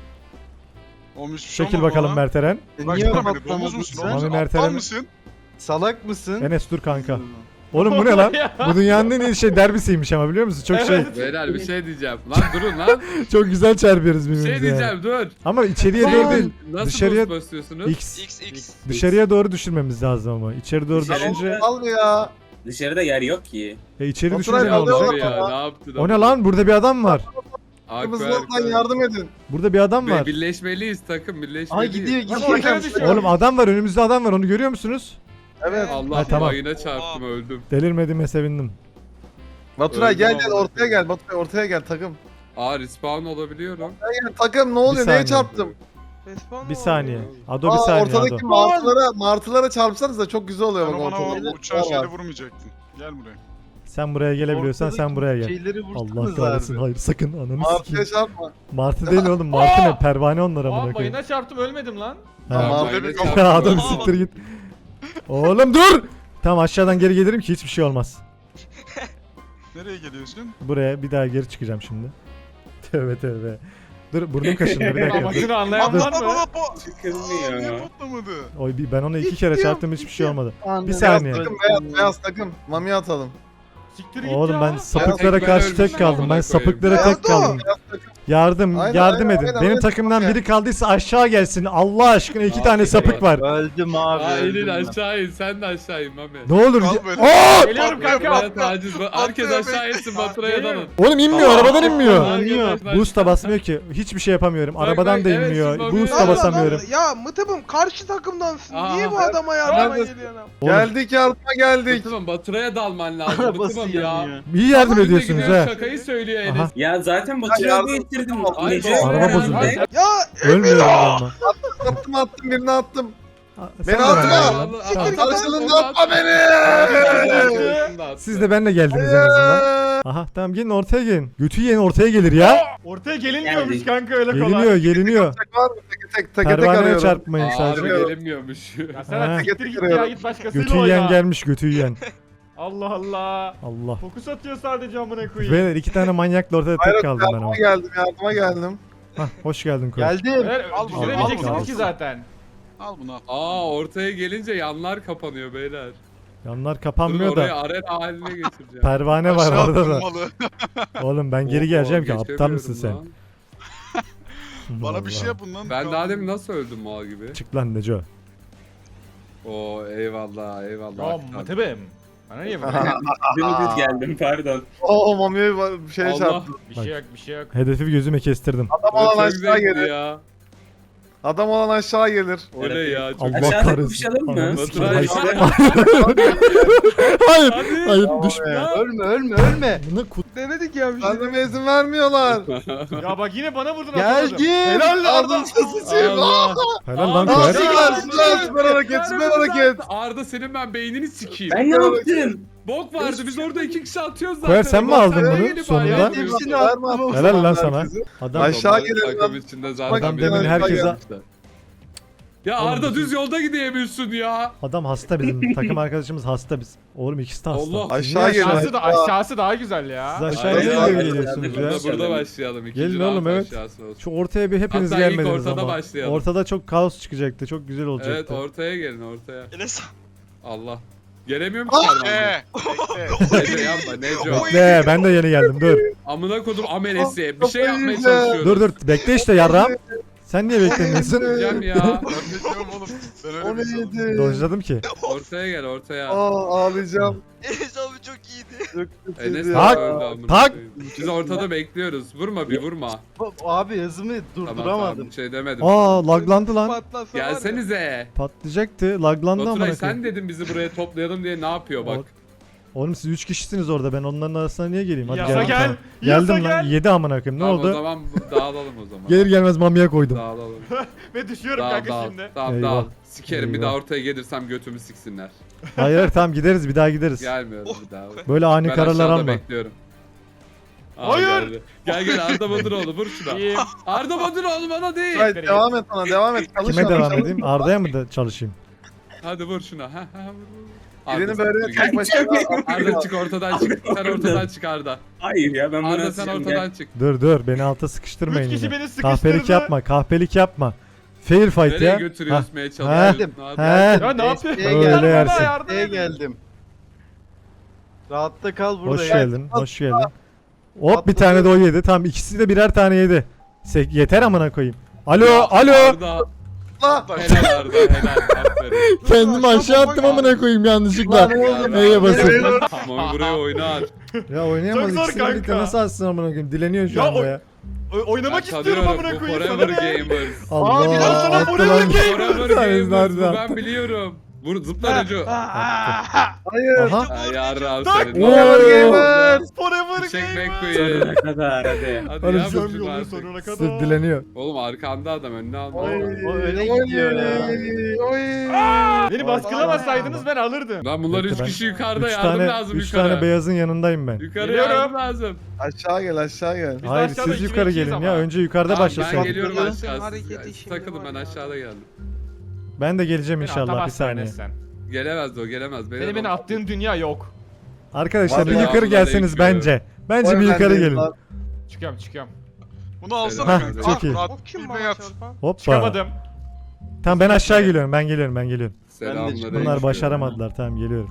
[SPEAKER 7] Olmuş bir şey
[SPEAKER 1] Çekil
[SPEAKER 7] olmadı
[SPEAKER 1] bakalım
[SPEAKER 7] lan.
[SPEAKER 1] Merteren.
[SPEAKER 9] Niye
[SPEAKER 7] Baksana beni,
[SPEAKER 9] patlamadın
[SPEAKER 7] domuz musun?
[SPEAKER 9] sen?
[SPEAKER 1] Mami
[SPEAKER 7] Domuz
[SPEAKER 1] Mert'e-
[SPEAKER 7] aptal mısın?
[SPEAKER 9] Salak mısın?
[SPEAKER 1] Enes dur kanka. Oğlum bu ne lan? Bu dünyanın en iyi şey derbisiymiş ama biliyor musun? Çok şey.
[SPEAKER 2] Beyler bir şey diyeceğim. Lan durun lan.
[SPEAKER 1] Çok güzel çarpıyoruz
[SPEAKER 2] Bir
[SPEAKER 1] birbirimize.
[SPEAKER 2] şey
[SPEAKER 1] yani.
[SPEAKER 2] diyeceğim dur.
[SPEAKER 1] Ama içeriye doğru değil.
[SPEAKER 2] Nasıl
[SPEAKER 1] Dışarıya
[SPEAKER 2] boost basıyorsunuz?
[SPEAKER 1] X.
[SPEAKER 8] X.
[SPEAKER 1] Dışarıya doğru düşürmemiz lazım ama. İçeri doğru
[SPEAKER 4] Dışarı-
[SPEAKER 1] düşünce
[SPEAKER 6] Al ya.
[SPEAKER 4] Dışarıda yer yok ki.
[SPEAKER 1] içeri
[SPEAKER 6] Oturay
[SPEAKER 1] düşünce ne
[SPEAKER 6] alıyor.
[SPEAKER 1] olacak?
[SPEAKER 2] Abi ya ne yaptın?
[SPEAKER 1] O ne lan? Burada bir adam var.
[SPEAKER 6] Kırmızılardan yardım edin.
[SPEAKER 1] Burada bir adam var.
[SPEAKER 2] Birleşmeliyiz takım
[SPEAKER 9] Aha
[SPEAKER 2] birleşmeliyiz.
[SPEAKER 9] gidiyor
[SPEAKER 6] Nasıl
[SPEAKER 9] gidiyor.
[SPEAKER 6] bakıyorsun?
[SPEAKER 1] Oğlum adam var. Önümüzde adam var. Onu görüyor musunuz?
[SPEAKER 6] Evet.
[SPEAKER 2] Allah
[SPEAKER 1] Ha, tamam.
[SPEAKER 2] mayına çarptım öldüm.
[SPEAKER 1] Delirmediğime sevindim.
[SPEAKER 6] Baturay gel
[SPEAKER 2] Öldüm
[SPEAKER 6] gel
[SPEAKER 2] ama.
[SPEAKER 6] ortaya gel. Baturay ortaya gel takım.
[SPEAKER 2] Aa respawn olabiliyorum.
[SPEAKER 6] Gel takım ne oluyor?
[SPEAKER 1] saniye.
[SPEAKER 6] Neye çarptım?
[SPEAKER 3] Respawn
[SPEAKER 1] Bir
[SPEAKER 3] oldu.
[SPEAKER 1] saniye. Ado bir saniye
[SPEAKER 6] ortadaki
[SPEAKER 1] Ado.
[SPEAKER 6] martılara çarpsanız da çok güzel oluyor
[SPEAKER 7] Sen
[SPEAKER 6] bak
[SPEAKER 7] bana o
[SPEAKER 6] ortada.
[SPEAKER 7] uçan şeyle vurmayacaktın. Gel buraya.
[SPEAKER 1] Sen buraya gelebiliyorsan sen buraya gel.
[SPEAKER 9] Şeyleri
[SPEAKER 1] Allah
[SPEAKER 9] vursanız
[SPEAKER 1] kahretsin.
[SPEAKER 9] abi.
[SPEAKER 1] Hayır sakın ananı
[SPEAKER 6] Martıya
[SPEAKER 1] sikeyim.
[SPEAKER 6] çarpma.
[SPEAKER 1] Martı değil oğlum. Martı ne? Pervane onlar
[SPEAKER 5] Aa
[SPEAKER 1] amına koyayım.
[SPEAKER 5] mayına çarptım ölmedim lan.
[SPEAKER 1] Ha.
[SPEAKER 2] Aa,
[SPEAKER 6] Martı
[SPEAKER 2] mayına
[SPEAKER 6] bir-
[SPEAKER 2] çarptım,
[SPEAKER 1] Ya adam
[SPEAKER 2] öldüm.
[SPEAKER 1] siktir git. Oğlum dur. Tamam aşağıdan geri gelirim ki hiçbir şey olmaz.
[SPEAKER 7] Nereye geliyorsun?
[SPEAKER 1] Buraya bir daha geri çıkacağım şimdi. Tövbe tövbe. Dur burnum kaşındı bir dakika. Dur.
[SPEAKER 5] Amacını anlayan var mı?
[SPEAKER 7] Aa,
[SPEAKER 4] Çıkılmıyor.
[SPEAKER 7] niye patlamadı?
[SPEAKER 1] Oy ben ona 2 kere çarptım hiçbir şey olmadı.
[SPEAKER 9] Anladım.
[SPEAKER 1] Bir saniye.
[SPEAKER 6] Takım beyaz takım. Mami atalım.
[SPEAKER 5] Siktir git
[SPEAKER 1] Oğlum
[SPEAKER 5] ya.
[SPEAKER 1] ben sapıklara
[SPEAKER 2] Ben
[SPEAKER 1] karşı
[SPEAKER 2] ölmüşüm
[SPEAKER 1] tek kaldım. Ben
[SPEAKER 2] amına
[SPEAKER 1] sapıklara
[SPEAKER 3] koyayım.
[SPEAKER 1] tek kaldım. Yardım,
[SPEAKER 6] Aynen,
[SPEAKER 1] yardım
[SPEAKER 6] aynen,
[SPEAKER 1] edin.
[SPEAKER 6] aynen,
[SPEAKER 1] Benim
[SPEAKER 6] aynen.
[SPEAKER 1] takımdan
[SPEAKER 6] Aynen.
[SPEAKER 1] biri kaldıysa aşağı gelsin. Allah aşkına 2 tane
[SPEAKER 2] Aynen.
[SPEAKER 1] sapık var.
[SPEAKER 9] Öldüm abi.
[SPEAKER 2] Aa
[SPEAKER 9] öldüm
[SPEAKER 2] inin
[SPEAKER 9] ben.
[SPEAKER 2] aşağı in sen de aşağı in Mami.
[SPEAKER 1] Ne olur.
[SPEAKER 7] Kal böyle.
[SPEAKER 1] Aa!
[SPEAKER 5] Geliyorum kanka.
[SPEAKER 2] Baturay'a taciz. Herkes
[SPEAKER 7] Patlıyor,
[SPEAKER 2] aşağı insin Baturay'a
[SPEAKER 5] Geliyorum.
[SPEAKER 2] dalın.
[SPEAKER 1] Oğlum inmiyor, arabadan inmiyor.
[SPEAKER 5] Yanıyor.
[SPEAKER 1] Boost da basmıyor ki. Hiçbir şey yapamıyorum.
[SPEAKER 2] Bak,
[SPEAKER 1] Arabadan
[SPEAKER 2] bak,
[SPEAKER 1] da
[SPEAKER 2] evet,
[SPEAKER 1] inmiyor.
[SPEAKER 2] şimdi
[SPEAKER 1] Boost da
[SPEAKER 3] Allah
[SPEAKER 1] basamıyorum.
[SPEAKER 3] Allah. Ya Mıtıbım karşı takımdansın.
[SPEAKER 2] Aa,
[SPEAKER 3] Niye bu
[SPEAKER 2] evet.
[SPEAKER 3] adama yardıma
[SPEAKER 6] Neredesin?
[SPEAKER 3] geliyorsun?
[SPEAKER 1] Oğlum,
[SPEAKER 6] Geldik yardıma geldik.
[SPEAKER 2] Baturay'a Baturay'a dalman lazım.
[SPEAKER 9] Arabası
[SPEAKER 2] Baturay'a ya.
[SPEAKER 9] yanıyor.
[SPEAKER 1] iyi yardım
[SPEAKER 2] Bize
[SPEAKER 1] ediyorsunuz
[SPEAKER 2] gidiyor,
[SPEAKER 1] ha.
[SPEAKER 2] Şakayı söylüyor
[SPEAKER 1] Aha.
[SPEAKER 2] Enes.
[SPEAKER 4] Ya zaten
[SPEAKER 6] Ya
[SPEAKER 4] Baturay'ı
[SPEAKER 6] yardım-
[SPEAKER 4] getirdim.
[SPEAKER 2] Ay,
[SPEAKER 4] Nece?
[SPEAKER 2] doğru.
[SPEAKER 1] Araba bozuldu.
[SPEAKER 2] Ay,
[SPEAKER 3] Ya
[SPEAKER 1] Ölmüyorum ama.
[SPEAKER 6] Attım birini attım.
[SPEAKER 1] Sen
[SPEAKER 6] Beni
[SPEAKER 1] de
[SPEAKER 6] atma!
[SPEAKER 1] bana-
[SPEAKER 3] Siktir
[SPEAKER 1] Tamam.
[SPEAKER 3] git.
[SPEAKER 6] Karşılığında atma beni!
[SPEAKER 1] Siz de benimle geldiniz en azından. Aha tamam gelin ortaya gelin. Götü yiyen ortaya gelir ya.
[SPEAKER 5] Ortaya gelinmiyormuş
[SPEAKER 4] Geldik.
[SPEAKER 5] kanka öyle kolay.
[SPEAKER 1] Geliniyor geliniyor.
[SPEAKER 6] Var mı? Tek
[SPEAKER 1] Pervaneye
[SPEAKER 6] arıyorum.
[SPEAKER 1] çarpmayın
[SPEAKER 2] Abi
[SPEAKER 1] sadece.
[SPEAKER 2] gelinmiyormuş.
[SPEAKER 5] Ya sen
[SPEAKER 1] Ha.
[SPEAKER 5] siktir git ya
[SPEAKER 6] Getiriyorum.
[SPEAKER 5] git başkasıyla
[SPEAKER 1] Götü
[SPEAKER 5] oyna.
[SPEAKER 1] yiyen gelmiş götü yiyen.
[SPEAKER 5] Allah Allah.
[SPEAKER 1] Allah.
[SPEAKER 5] Fokus atıyor sadece amına koyayım.
[SPEAKER 1] Beyler 2 tane manyakla ortada
[SPEAKER 6] Hayır,
[SPEAKER 1] tek kaldım ben ama.
[SPEAKER 6] yardıma geldim.
[SPEAKER 1] Hah hoş geldin Koy.
[SPEAKER 9] Geldim.
[SPEAKER 5] Beyler
[SPEAKER 7] Al bunu,
[SPEAKER 5] düşüremeyeceksiniz
[SPEAKER 1] al bunu.
[SPEAKER 5] ki zaten.
[SPEAKER 7] Al bunu al.
[SPEAKER 2] Aa ortaya gelince yanlar kapanıyor beyler.
[SPEAKER 1] Yanlar
[SPEAKER 2] Durun
[SPEAKER 1] kapanmıyor
[SPEAKER 2] orayı
[SPEAKER 1] da.
[SPEAKER 2] arena haline getireceğim.
[SPEAKER 1] Pervane var
[SPEAKER 7] Aşağı
[SPEAKER 1] orada da.
[SPEAKER 7] atılmalı.
[SPEAKER 1] Oğlum ben geri
[SPEAKER 2] Oha,
[SPEAKER 1] geleceğim ki aptal
[SPEAKER 2] geçemiyorum
[SPEAKER 1] mısın sen?
[SPEAKER 2] lan.
[SPEAKER 7] Bana bir şey
[SPEAKER 1] Allah.
[SPEAKER 7] yapın lan.
[SPEAKER 2] Ben daha demin nasıl öldüm mal gibi?
[SPEAKER 1] Çık lan Neco.
[SPEAKER 2] Oo eyvallah eyvallah.
[SPEAKER 5] Ya
[SPEAKER 2] Hakan.
[SPEAKER 5] Mıtıbım. Bana niye vuruyorsun?
[SPEAKER 4] Dümdüz geldim pardon.
[SPEAKER 6] O Mami'ye bir şey
[SPEAKER 2] Allah.
[SPEAKER 6] çarptı.
[SPEAKER 5] Bir şey yok bir şey yok.
[SPEAKER 1] Hedefi gözüme kestirdim.
[SPEAKER 6] Adam olan
[SPEAKER 2] Çok
[SPEAKER 6] aşağı
[SPEAKER 2] zevkli
[SPEAKER 6] geldi.
[SPEAKER 2] ya.
[SPEAKER 6] Adam olan aşağı gelir.
[SPEAKER 2] O ne ya? Çok...
[SPEAKER 1] Allah
[SPEAKER 8] Aşağıda
[SPEAKER 1] kahretsin.
[SPEAKER 8] kapışalım mı?
[SPEAKER 1] Ananı
[SPEAKER 2] Baturay
[SPEAKER 1] sikeyim.
[SPEAKER 2] işte.
[SPEAKER 1] Hayır.
[SPEAKER 2] Hadi.
[SPEAKER 1] Hayır düşme.
[SPEAKER 2] Ya.
[SPEAKER 9] Ölme.
[SPEAKER 1] Buna kut.
[SPEAKER 3] Denedik ya bir şey.
[SPEAKER 6] Anneme izin vermiyorlar.
[SPEAKER 5] Ya bak yine bana vurdun.
[SPEAKER 9] Gel
[SPEAKER 5] atamadım.
[SPEAKER 9] git.
[SPEAKER 5] Helal lan Arda.
[SPEAKER 6] Aldım sıçayım.
[SPEAKER 2] Allah.
[SPEAKER 1] Helal lan
[SPEAKER 2] Aa,
[SPEAKER 1] Koer.
[SPEAKER 6] Süper hareket, süper hareket.
[SPEAKER 2] Arda senin ben beynini sikeyim.
[SPEAKER 8] Ben ne yaptım?
[SPEAKER 2] Bok vardı biz orada 2 kişi atıyoruz zaten.
[SPEAKER 1] Koer sen mi
[SPEAKER 2] Bak,
[SPEAKER 1] aldın
[SPEAKER 2] sen
[SPEAKER 1] bunu
[SPEAKER 2] gelip
[SPEAKER 1] sonunda?
[SPEAKER 2] ayağa
[SPEAKER 9] Hepsini
[SPEAKER 2] vuruyorsun.
[SPEAKER 9] attım.
[SPEAKER 1] Helal lan sana. Adam
[SPEAKER 6] Aşağı gelelim
[SPEAKER 2] Takım
[SPEAKER 6] lan.
[SPEAKER 2] içinde zaten
[SPEAKER 1] Adam
[SPEAKER 2] bir-
[SPEAKER 1] demin herkese
[SPEAKER 2] Ya Arda düz yolda gidemiyorsun ya.
[SPEAKER 1] adam hasta bizim takım arkadaşımız hasta biz. Oğlum ikisi de hasta.
[SPEAKER 2] Allah.
[SPEAKER 1] Siz
[SPEAKER 6] Aşağı
[SPEAKER 1] niye
[SPEAKER 6] gelin.
[SPEAKER 5] Aşağısı daha güzel ya.
[SPEAKER 1] Siz aşağıya
[SPEAKER 2] Aynen.
[SPEAKER 1] niye
[SPEAKER 2] Aynen.
[SPEAKER 1] geliyorsunuz ya?
[SPEAKER 2] Burada başlayalım. İkinci
[SPEAKER 1] Gelin
[SPEAKER 2] round
[SPEAKER 1] oğlum, evet.
[SPEAKER 2] aşağısı olsun.
[SPEAKER 1] Şu ortaya bir hepiniz
[SPEAKER 2] Hatta ilk
[SPEAKER 1] gelmediniz
[SPEAKER 2] ortada
[SPEAKER 1] ama.
[SPEAKER 2] başlayalım.
[SPEAKER 1] Ortada çok kaos çıkacaktı. Çok güzel
[SPEAKER 2] Evet
[SPEAKER 1] olacaktı.
[SPEAKER 2] ortaya gelin ortaya.
[SPEAKER 10] Enes
[SPEAKER 2] Allah. Gelemiyorum ki Armağan'da.
[SPEAKER 7] Bekle.
[SPEAKER 2] Neco yapma Neco.
[SPEAKER 1] Bekle ben de yeni geldim dur.
[SPEAKER 2] Amına kodum amelesi. Bir şey
[SPEAKER 6] Kafayı
[SPEAKER 2] yapmaya
[SPEAKER 6] yiyeceğim.
[SPEAKER 2] çalışıyoruz.
[SPEAKER 1] Dur bekle işte yarram. Sen niye beklemiyorsun?
[SPEAKER 2] Diyeceğim ya.
[SPEAKER 7] Ben bekliyorum oğlum. Ben
[SPEAKER 6] O
[SPEAKER 7] öyle bir insanım.
[SPEAKER 6] neydi?
[SPEAKER 1] Dojladım ki.
[SPEAKER 2] Ortaya gel ortaya.
[SPEAKER 6] Ağlayacağım.
[SPEAKER 10] Enes abi çok iyiydi.
[SPEAKER 6] Çok
[SPEAKER 2] Enes
[SPEAKER 6] kötüydü
[SPEAKER 2] de
[SPEAKER 1] Tak,
[SPEAKER 2] öldü amına
[SPEAKER 1] tak.
[SPEAKER 2] koyayım. Biz ortada bekliyoruz. Vurma bir vurma.
[SPEAKER 9] Abi hızımı
[SPEAKER 2] Tamam
[SPEAKER 9] durduramadım.
[SPEAKER 2] bir şey demedim.
[SPEAKER 1] Aa laglandı lan.
[SPEAKER 3] Patlasa var ya.
[SPEAKER 2] Gelsenize.
[SPEAKER 1] Patlayacaktı. Laglandı amına
[SPEAKER 2] Baturay sen
[SPEAKER 1] koyayım.
[SPEAKER 2] dedin bizi buraya toplayalım diye ne yapıyor bak.
[SPEAKER 1] Oğlum siz 3 kişisiniz orada. Ben onların arasına niye geleyim? Hadi
[SPEAKER 5] Yasa
[SPEAKER 1] geldim,
[SPEAKER 5] gel,
[SPEAKER 1] tamam.
[SPEAKER 5] yasa
[SPEAKER 1] Geldim lan.
[SPEAKER 5] gel.
[SPEAKER 1] 7 amına koyayım. Ne
[SPEAKER 2] Tamam, O
[SPEAKER 1] oldu?
[SPEAKER 2] zaman dağılalım o zaman.
[SPEAKER 1] Gelir gelmez mamiye koydum.
[SPEAKER 2] Dağılalım.
[SPEAKER 5] Ve düşüyorum
[SPEAKER 2] Dağıl
[SPEAKER 5] kanka
[SPEAKER 2] dağıl.
[SPEAKER 5] şimdi.
[SPEAKER 2] Tamam
[SPEAKER 1] Eyvah.
[SPEAKER 2] dağıl. Sikerim bir
[SPEAKER 1] Eyvah.
[SPEAKER 2] daha ortaya gelirsem götümü siksinler.
[SPEAKER 1] Hayır tamam gideriz bir daha gideriz.
[SPEAKER 2] Gelmiyorum bir daha.
[SPEAKER 1] Böyle ani
[SPEAKER 2] Ben
[SPEAKER 1] kararlar
[SPEAKER 2] aşağıda
[SPEAKER 1] alma.
[SPEAKER 2] bekliyorum. Aa,
[SPEAKER 5] Hayır.
[SPEAKER 2] geldi. Gel Arda Badıroğlu vur şuna.
[SPEAKER 5] İyiyim.
[SPEAKER 2] Arda Badıroğlu bana değil.
[SPEAKER 6] Hayır devam et bana devam et. Çalış
[SPEAKER 1] Kime
[SPEAKER 6] abi,
[SPEAKER 1] devam
[SPEAKER 6] çalış.
[SPEAKER 1] edeyim? Arda'ya mı da çalışayım?
[SPEAKER 2] Hadi vur şuna. Ha ha vur.
[SPEAKER 6] Birini
[SPEAKER 2] Arda,
[SPEAKER 6] böyle
[SPEAKER 2] gel.
[SPEAKER 6] tek başına
[SPEAKER 2] Arda çık ortadan çık. Sen ortadan çık Arda.
[SPEAKER 8] Hayır ya ben bunu
[SPEAKER 2] Arda sen ortadan çık.
[SPEAKER 1] Dur beni alta sıkıştırmayın
[SPEAKER 5] 3 kişi
[SPEAKER 1] yine.
[SPEAKER 5] beni
[SPEAKER 1] Kahpelik
[SPEAKER 5] sıkıştırdı.
[SPEAKER 1] yapma kahpelik yapma. Fair fight
[SPEAKER 2] Nereye
[SPEAKER 1] ya.
[SPEAKER 2] götürüyorsun
[SPEAKER 1] Ha,
[SPEAKER 2] meye çalışıyorsun?
[SPEAKER 1] ha,
[SPEAKER 2] Ne
[SPEAKER 1] ha.
[SPEAKER 2] yapıyorsun?
[SPEAKER 5] Ya ne yapıyorsun?
[SPEAKER 9] Öyle
[SPEAKER 5] Gel bana
[SPEAKER 1] yersin.
[SPEAKER 5] yardım
[SPEAKER 9] Neye
[SPEAKER 5] edin.
[SPEAKER 9] geldim? Rahatta kal burada
[SPEAKER 1] Hoş
[SPEAKER 9] ya.
[SPEAKER 1] geldin hoş geldin. Hop bir tane de o yedi. Tamam ikisi de birer tane yedi. Yeter amına koyayım. Alo alo.
[SPEAKER 2] Arda.
[SPEAKER 6] La.
[SPEAKER 2] Helal Arda helal. Aferin.
[SPEAKER 1] Kendimi aşağı attım amına koyayım yanlışlıkla. Neye basın?
[SPEAKER 2] Mami buraya oynar.
[SPEAKER 1] Ya oynayamaz.
[SPEAKER 5] Çok zor
[SPEAKER 1] İkisini birlikte
[SPEAKER 5] kanka.
[SPEAKER 1] nasıl atsın amına koyayım? Dileniyor şu
[SPEAKER 5] Ya
[SPEAKER 1] anda
[SPEAKER 5] o-
[SPEAKER 1] ya.
[SPEAKER 5] Oynamak
[SPEAKER 2] Ben
[SPEAKER 5] istiyorum
[SPEAKER 2] tanıyorum,
[SPEAKER 5] amına
[SPEAKER 2] bu
[SPEAKER 5] koyayım
[SPEAKER 2] Forever
[SPEAKER 5] sana ne?
[SPEAKER 2] Gamers.
[SPEAKER 1] Allah.
[SPEAKER 5] biraz sonra
[SPEAKER 1] attı
[SPEAKER 5] Forever
[SPEAKER 1] lan.
[SPEAKER 5] Gamers.
[SPEAKER 2] Forever
[SPEAKER 1] Tanesi
[SPEAKER 2] Gamers bu
[SPEAKER 1] nerede
[SPEAKER 2] ben
[SPEAKER 1] attı?
[SPEAKER 2] biliyorum. Vur zıpla Neco.
[SPEAKER 6] Hayır.
[SPEAKER 1] Aha.
[SPEAKER 2] Ay yarrağım
[SPEAKER 5] Tak.
[SPEAKER 2] senin.
[SPEAKER 1] Oo.
[SPEAKER 5] Forever
[SPEAKER 2] Çek
[SPEAKER 5] Game.
[SPEAKER 2] McQueen.
[SPEAKER 8] Sonuna kadar hadi.
[SPEAKER 2] Hadi
[SPEAKER 1] Oğlum
[SPEAKER 2] ya
[SPEAKER 1] sen
[SPEAKER 2] bu
[SPEAKER 5] Yolun
[SPEAKER 2] artık.
[SPEAKER 5] sonuna
[SPEAKER 1] Sırf
[SPEAKER 5] kadar.
[SPEAKER 1] dileniyor.
[SPEAKER 2] Oğlum arkanda adam önüne alma.
[SPEAKER 6] Oy,
[SPEAKER 9] O öne
[SPEAKER 6] oy,
[SPEAKER 9] gidiyor ya.
[SPEAKER 6] oy.
[SPEAKER 5] Beni baskılamasaydınız ben alırdım.
[SPEAKER 2] Lan bunlar
[SPEAKER 1] Bekle
[SPEAKER 2] 3
[SPEAKER 1] ben-
[SPEAKER 2] kişi yukarıda
[SPEAKER 1] 3
[SPEAKER 2] yardım
[SPEAKER 1] tane,
[SPEAKER 2] lazım
[SPEAKER 1] 3
[SPEAKER 2] yukarı.
[SPEAKER 1] tane beyazın yanındayım ben.
[SPEAKER 2] Yukarı
[SPEAKER 5] Geliyorum.
[SPEAKER 2] yardım lazım.
[SPEAKER 6] Aşağı gel aşağı gel.
[SPEAKER 5] Biz
[SPEAKER 1] Hayır
[SPEAKER 5] aşağıda
[SPEAKER 1] siz yukarı
[SPEAKER 5] 2-2'yiz
[SPEAKER 1] gelin
[SPEAKER 5] ama.
[SPEAKER 1] ya. Önce yukarıda
[SPEAKER 2] Tamam, ben
[SPEAKER 1] başlasın.
[SPEAKER 2] geliyorum
[SPEAKER 3] Bakın,
[SPEAKER 2] aşağı.
[SPEAKER 3] hareketi
[SPEAKER 2] Siz
[SPEAKER 3] şimdi
[SPEAKER 2] takılın
[SPEAKER 3] var
[SPEAKER 2] ben
[SPEAKER 3] ya.
[SPEAKER 2] aşağıda geldim.
[SPEAKER 1] Ben de geleceğim
[SPEAKER 5] Beni
[SPEAKER 1] inşallah bir
[SPEAKER 5] atamazsın
[SPEAKER 1] saniye.
[SPEAKER 5] Enes sen.
[SPEAKER 2] Gelemez de o gelemez.
[SPEAKER 5] Senin beni attığın dünya yok.
[SPEAKER 1] Arkadaşlar bir
[SPEAKER 6] Vallahi
[SPEAKER 1] yukarı gelseniz
[SPEAKER 2] vallahi
[SPEAKER 1] bence. Bence bir
[SPEAKER 6] Oy,
[SPEAKER 1] yukarı
[SPEAKER 6] ben de-
[SPEAKER 1] gelin.
[SPEAKER 6] lan.
[SPEAKER 5] Çıkıyorum.
[SPEAKER 7] Bunu alsana
[SPEAKER 1] Hah,
[SPEAKER 7] kanka.
[SPEAKER 1] çok iyi.
[SPEAKER 7] Murat,
[SPEAKER 3] O kim
[SPEAKER 7] bilmeyi
[SPEAKER 3] bana
[SPEAKER 7] at.
[SPEAKER 3] çarpan?
[SPEAKER 1] Hoppa.
[SPEAKER 5] Çıkamadım.
[SPEAKER 1] Tamam ben aşağı geliyorum. Ben geliyorum.
[SPEAKER 2] Selamünaleyküm.
[SPEAKER 1] Bunlar başaramadılar. Tamam geliyorum.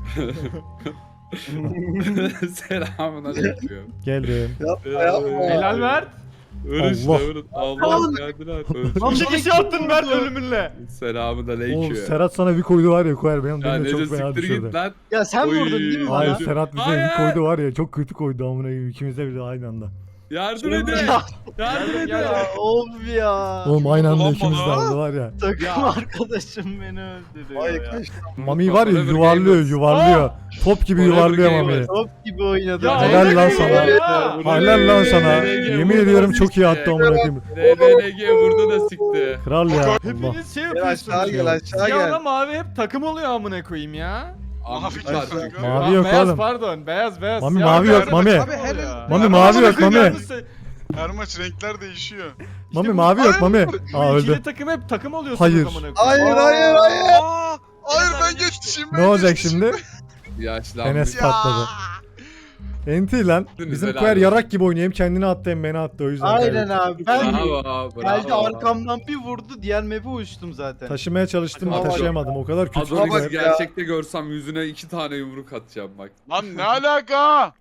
[SPEAKER 2] Selamünaleyküm.
[SPEAKER 1] Geldim.
[SPEAKER 5] Helal ver.
[SPEAKER 2] Örüş
[SPEAKER 1] Allah.
[SPEAKER 2] de Allah geldiler.
[SPEAKER 5] İki kişi attın Mert ölümünle.
[SPEAKER 2] Selamünaleyküm.
[SPEAKER 1] Oğlum Serhat sana bir koydu var ya koyar benim
[SPEAKER 2] Ya
[SPEAKER 1] beni de
[SPEAKER 2] Neco
[SPEAKER 1] çok fena
[SPEAKER 2] siktir
[SPEAKER 1] düşürdü.
[SPEAKER 2] git lan.
[SPEAKER 9] Ya sen
[SPEAKER 2] Oy.
[SPEAKER 9] vurdun değil mi
[SPEAKER 1] Hayır
[SPEAKER 9] bana?
[SPEAKER 1] Serhat bize
[SPEAKER 2] Hayır.
[SPEAKER 1] bir koydu var ya çok kötü koydu amına koyayım. İkimiz de bir de aynı anda.
[SPEAKER 2] Yardım edin. Yardım edin.
[SPEAKER 9] Ya of ya.
[SPEAKER 1] Oğlum aynı anda
[SPEAKER 7] Ulan
[SPEAKER 1] ikimiz de
[SPEAKER 7] bana.
[SPEAKER 1] aldı var ya.
[SPEAKER 9] Takım arkadaşım beni öldürüyor
[SPEAKER 6] Ay
[SPEAKER 9] ya.
[SPEAKER 6] kaç.
[SPEAKER 1] Mami var ya
[SPEAKER 2] Forever
[SPEAKER 1] yuvarlıyor
[SPEAKER 2] Gamers.
[SPEAKER 1] yuvarlıyor. Top gibi
[SPEAKER 2] Forever
[SPEAKER 1] yuvarlıyor
[SPEAKER 2] Gamers.
[SPEAKER 1] Mami.
[SPEAKER 9] Top gibi oynadı.
[SPEAKER 5] Ya
[SPEAKER 1] Helal
[SPEAKER 5] öyle
[SPEAKER 1] lan
[SPEAKER 5] değil
[SPEAKER 1] sana.
[SPEAKER 5] ya.
[SPEAKER 1] Helal lan sana.
[SPEAKER 2] RDG
[SPEAKER 1] Yemin
[SPEAKER 2] burada
[SPEAKER 1] ediyorum
[SPEAKER 2] da
[SPEAKER 1] çok iyi attı
[SPEAKER 2] sikti.
[SPEAKER 1] amına koyayım.
[SPEAKER 2] RDG burada da sikti.
[SPEAKER 1] Kral ya. Allah.
[SPEAKER 5] Hepiniz şey
[SPEAKER 6] Gel aşağı
[SPEAKER 5] yapıyorsunuz.
[SPEAKER 6] gel aşağı
[SPEAKER 5] Siyahla
[SPEAKER 6] gel.
[SPEAKER 5] mavi hep takım oluyor amına koyayım ya.
[SPEAKER 7] Mavi
[SPEAKER 2] Abi
[SPEAKER 7] var
[SPEAKER 2] var.
[SPEAKER 7] çünkü.
[SPEAKER 1] Mavi yok
[SPEAKER 5] beyaz
[SPEAKER 1] oğlum.
[SPEAKER 5] pardon beyaz.
[SPEAKER 1] Mami
[SPEAKER 5] Siyah
[SPEAKER 1] mavi
[SPEAKER 5] beyaz.
[SPEAKER 1] yok Mami.
[SPEAKER 3] Abi helal.
[SPEAKER 1] Mami
[SPEAKER 5] Ya
[SPEAKER 1] mavi
[SPEAKER 5] amına
[SPEAKER 1] yok
[SPEAKER 5] koyayım
[SPEAKER 1] Mami.
[SPEAKER 5] yalnız sen-
[SPEAKER 7] Her maç renkler değişiyor.
[SPEAKER 1] Mami
[SPEAKER 5] bu-
[SPEAKER 1] mavi yok Mami.
[SPEAKER 5] Bu
[SPEAKER 1] Aa
[SPEAKER 5] ikili
[SPEAKER 1] öldü.
[SPEAKER 5] takım hep takım oluyorsunuz
[SPEAKER 1] Hayır.
[SPEAKER 5] amına koyayım.
[SPEAKER 6] Hayır hayır hayır.
[SPEAKER 10] Aa,
[SPEAKER 7] Hayır
[SPEAKER 10] Enes
[SPEAKER 7] ben
[SPEAKER 10] abi
[SPEAKER 7] geçtim.
[SPEAKER 1] Ne olacak şimdi?
[SPEAKER 2] Yaşlanmış.
[SPEAKER 1] Enes patladı. Enti lan. Bizim
[SPEAKER 2] helal
[SPEAKER 1] koyar
[SPEAKER 2] olsun.
[SPEAKER 1] yarak gibi oynuyor. Hem kendini attı hem beni attı o yüzden.
[SPEAKER 9] Aynen
[SPEAKER 1] kaybettik.
[SPEAKER 9] abi. Ben
[SPEAKER 2] Bravo,
[SPEAKER 9] geldi
[SPEAKER 2] bravo.
[SPEAKER 9] arkamdan bir vurdu diğer map'e uçtum zaten.
[SPEAKER 1] Taşımaya çalıştım
[SPEAKER 2] Bak,
[SPEAKER 1] taşıyamadım. O kadar kötü.
[SPEAKER 2] Adonis
[SPEAKER 6] bak ya.
[SPEAKER 2] gerçekte görsem yüzüne 2 tane yumruk atacağım bak.
[SPEAKER 7] Lan ne alaka?